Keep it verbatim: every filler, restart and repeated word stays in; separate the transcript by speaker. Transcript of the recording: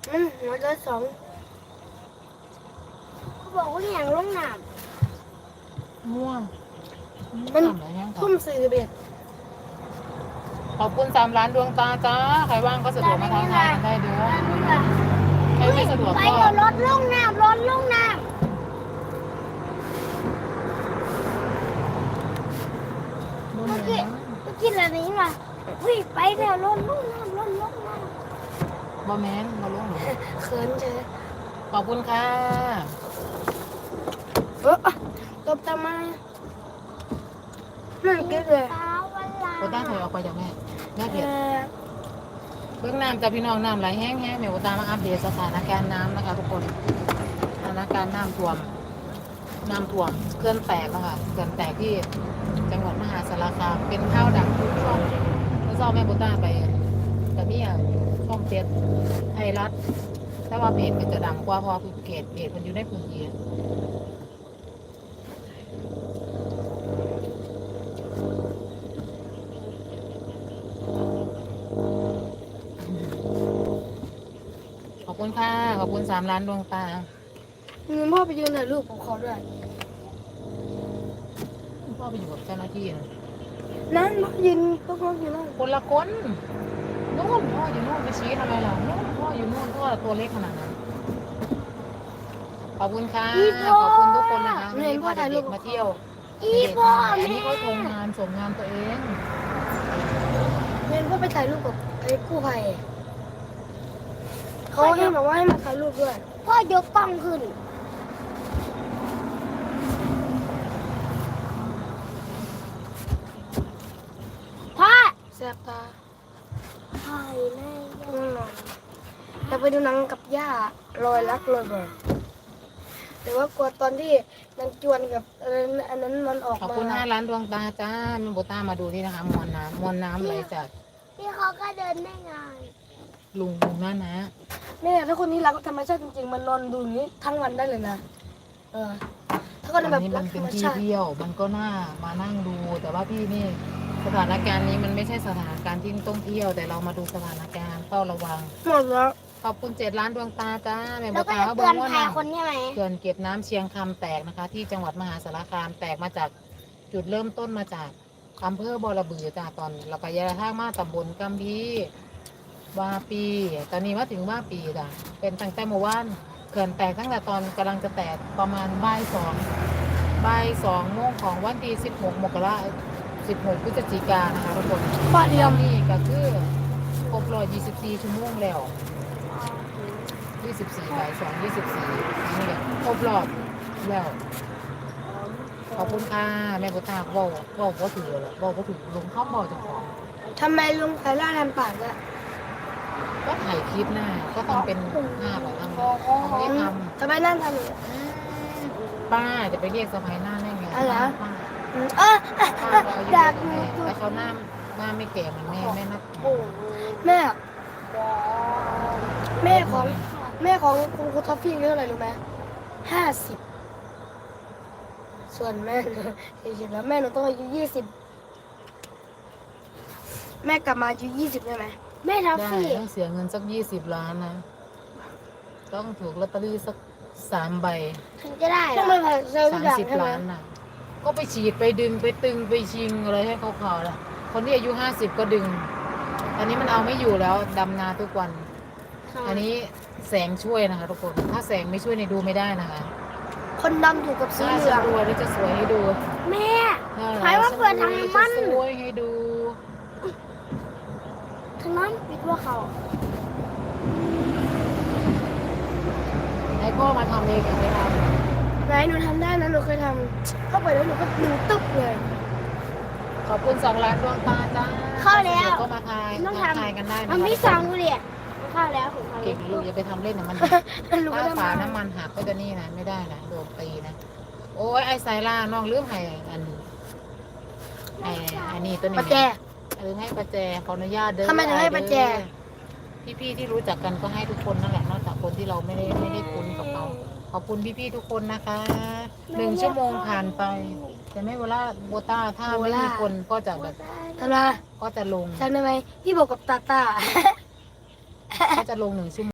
Speaker 1: อืมหัวใจสองเขาบอกว่าอย่างลงน้
Speaker 2: ม่วง
Speaker 1: ำมัน
Speaker 2: ทำอะไรยังค่ะ
Speaker 1: ทุ่มสี่สิบเอ็ด
Speaker 2: ขอบคุณสามล้านดวงตาจ้าใครว่างก็สะดวกมาทางทายกันได้เด้อใครไม่สะดวก
Speaker 1: ไป
Speaker 2: ก็
Speaker 1: เดี๋ยวรถลงน้ำรถลงน้ำเมื่อกี้เมื่อกี้อะไรนี่มาวิ่งไปเดี๋ยวรถลงน้ำรถลงน้ำ
Speaker 2: บอแมนบอลงหนู
Speaker 1: เขินเฉย
Speaker 2: ขอบคุณค่ะ
Speaker 1: เออตบตามาไม่เก็บเลย
Speaker 2: โคต้าถอยออกไปจากแม่แม่เพียรเบื้องน้ำจากพี่น้องน้ำไหลแห้งแห้งแม่โคต้ามาอัปเดตสถานการณ์น้ำนะคะทุกคนสถานการณ์น้ำท่วมน้ำท่วมเคลื่อนแตกนะคะเคลื่อนแตกที่จังหวัดมหาสารคามเป็นข้าวดังทุกช่องเมื่อเช้าแม่โคต้าไปแต่มีอ่ะช่องเจ็ดไทยรัฐแต่ว่าเพจมันจะดังกว่าเพอคือเพจเพจมันอยู่ในพื้นที่ขอบคุณค่ะขอบคุณสามล้านดวงตา
Speaker 1: มีพ่อไปยืนถ่ายรูปของเขาด้วย
Speaker 2: พ่อไปอยู่กับเจ้าหน้าที่นะ
Speaker 1: นั่นพ่อยืนพ่อพ่ออยู่นั่น
Speaker 2: คนละคนนู่นพ่ออยู่นู่นไปชี้ทำไมล่ะนู่นพ่ออยู่นู่นพ่อตัวเล็กขนาดนั้นขอบคุณค่ะขอบคุณทุกคนนะคะวันนี้พาเด็กๆมาเที่ยว
Speaker 1: อี
Speaker 2: เด็ก
Speaker 1: พ่อ
Speaker 2: ๆอัน
Speaker 1: แม่
Speaker 2: นี้เขาทำงานส่งงานตัวเอง
Speaker 1: เรียนพ่อไปถ่ายรูปกับไอ้กู้ภัยเขาให้บอกว่าให้มาถ่ายรูปด้วยพ่อยกกล้องขึ้นพ่อแสบตาถ่ายแม่ง่วงนอนอยากไปดูหนังกับย่ารอยรักรอยบ่อยแต่ว่ากลัวตอนที่นางจวนกับอันนั้นอันนั้นมันออก
Speaker 2: ขอบ
Speaker 1: มา
Speaker 2: คุณห้าล้านดวงตาจ้ามีโบต้ามาดูนี่นะคะมวลน้ำมวลน้ำไหลจาก
Speaker 1: พี่เขาก็เดินได้ไง
Speaker 2: ลุงลุงนั่นนะ
Speaker 1: แม่ถ้าคนนี้รักธรรมชาติจริงๆมันนอนดูอย่างนี้ทั้งวันได้เลยนะเออถ้าคน
Speaker 2: อัน
Speaker 1: แบบ
Speaker 2: นี้
Speaker 1: รั
Speaker 2: มั
Speaker 1: ก
Speaker 2: น
Speaker 1: ธ
Speaker 2: เป็
Speaker 1: ร
Speaker 2: น
Speaker 1: รม
Speaker 2: ที่
Speaker 1: ชาติ
Speaker 2: เที่ยวมันก็น่ามานั่งดู แต่ว่าพี่นี่สถานการณ์นี้มันไม่ใช่สถานการณ์ที่ต้องเที่ยว แต่เรามาดูสถานการณ์เฝ้าระวัง
Speaker 1: หมดแล้ว
Speaker 2: ขอบคุณเจ็ดล้านดวงตาจ้าแม่โบ
Speaker 1: แล้วก็
Speaker 2: ตา
Speaker 1: จะ
Speaker 2: เขาบ
Speaker 1: เตื
Speaker 2: อ
Speaker 1: อก น
Speaker 2: ว่า
Speaker 1: ภัย
Speaker 2: น้ำ
Speaker 1: คนใช่ไหม
Speaker 2: เขื่อนเก็บน้ำเชียงคำแตกนะคะ ที่จังหวัดมหาสารคามแตกมาจากจุดเริ่มต้นมาจากอำเภอบอระบือจ้าตอนเราก็ยาท่างมาตำบลกัมพีวาปี ตอนนี้มาถึงว่าปีจ้ะเป็นตั้งแต่เมื่อวานเขื่อนแตกตั้งแต่ตอนกำลังจะแตกประมาณบ่ายสองบ่ายสองโมงของวันที่สิบหกมกราสิบหกพฤศจิกายนนะคะทุกคน
Speaker 1: ป้าเดียว
Speaker 2: นี่ก็คือครบร้อยยี่สิบสี่ชั่วโมงแล้วยี่สิบสี่บ่ายสองยี่สิบสี่นี่ก็ครบรอบแล้ว ขอบคุณค่ะแม่โบตาเว่าเว่าก็ถือเลยเว่าก็ถือลงข้าวเบาจากของ
Speaker 1: ทำไมลุงไข่ล่าทำปากอะ
Speaker 2: ก็ถ่ายคลิปหน้าก็ต้องเป็นภาพอะไรทำเขาไม่ได้ท
Speaker 1: ทำไมนั่นทำอย่างนี้
Speaker 2: ำป้าจะไปเรียกสะพายหน้าได้ไง
Speaker 1: อะไร
Speaker 2: ป้า
Speaker 1: อืมเออ
Speaker 2: ป้าเขาอายุ
Speaker 1: อ
Speaker 2: เย
Speaker 1: ยา
Speaker 2: อะ
Speaker 1: ก
Speaker 2: กว่าแม่แล้วเขาหน้าหน้าไม่แก่เหมือนแม่แม่นับ
Speaker 1: แม่แม่ของแม่ของคุณครูท็อฟฟี่อายุเท่าไหร่รู้ไหมห้าสิบส่วนแม่สี่สิบแล้วแม่หนูต้องอายุยี่สิบแม่กลับมาอายุยี่สิบได้ไหมแม่ท็อฟ
Speaker 2: ได้
Speaker 1: ฟี่
Speaker 2: ต้องเสียเงินสักยี่สิบล้านนะ ต้องถูกลอตเตอรี่สักสามใบ
Speaker 1: ถึงจะได้ต้องไปเซลล์ทุ
Speaker 2: สาก ม
Speaker 1: อย่าง
Speaker 2: สิบ
Speaker 1: ใช่ไหม
Speaker 2: ล้านน่ะ ก็ไปฉีดไปดึงไปตึงไปชิงอะไรให้เขาเขาแหละคนที่อายุห้าสิบก็ดึง อันนี้มันเอาไม่อยู่แล้วดำนาทุกวัน อันนี้แสงช่วยนะคะทุกคน ถ้าแสงไม่ช่วยในดูไม่ได้นะคะ
Speaker 1: คนดำอยู่กับสี
Speaker 2: ถ้า
Speaker 1: เหลื
Speaker 2: จะ
Speaker 1: อง
Speaker 2: รวยแล้วจะสวยให้ดู
Speaker 1: แม่
Speaker 2: ถ้า
Speaker 1: ใครว่าเปิดทางน้ำมัน
Speaker 2: จะสวยให้ดู
Speaker 1: ทางนั้นปิดว่าเขา
Speaker 2: ไอ้พ่อมาทำเองอย่างไรครับ
Speaker 1: ไหนหนูทำได้นะหนูเคยทำเข้าไปแล้วหนูก็หนูตึ๊บเลย
Speaker 2: ขอบคุณสองล้านดวงตาจ้า
Speaker 1: เข้าแล้ว
Speaker 2: ก็มาทาย
Speaker 1: ต้อง
Speaker 2: ทัก
Speaker 1: ทำ
Speaker 2: ทายกันได้นะ
Speaker 1: ทำที่สองดูดิเข้าแล้วของเขา
Speaker 2: เก่งลูกอย่าไปทำเล่นนะมัน
Speaker 1: หนูก็
Speaker 2: ถ้า
Speaker 1: ทำ
Speaker 2: ฝา
Speaker 1: มา
Speaker 2: น้ำมันหักก็จะนี่นะไม่ได้นะโดนตีนะ โอ้ยไอ้ไซล่าน้องลืมให้อันไอ้อันนี้ตัวนี้
Speaker 1: ประแจ
Speaker 2: เออให้ประแจขออนุญาตเด้อ
Speaker 1: ทำไมถึงให้ประแจ
Speaker 2: พี่พี่ๆที่รู้จักกันก็ให้ทุกคนนั่นแหละนอกจากคนที่เราไม่ได้ไม่ได้คุ้นกับเขาขอบคุณพี่พี่ๆทุกคนนะคะหนึ่งชั่วโมงผ่านไป แต่ไม่เวลาโบต้าถ้าไม่มีคนก็จะแบบ
Speaker 1: ทำไม
Speaker 2: ก็จะลง
Speaker 1: จำได้ไหมพี่บอกกับตาตา
Speaker 2: ก็จะลงหนึ่งชั่วโมง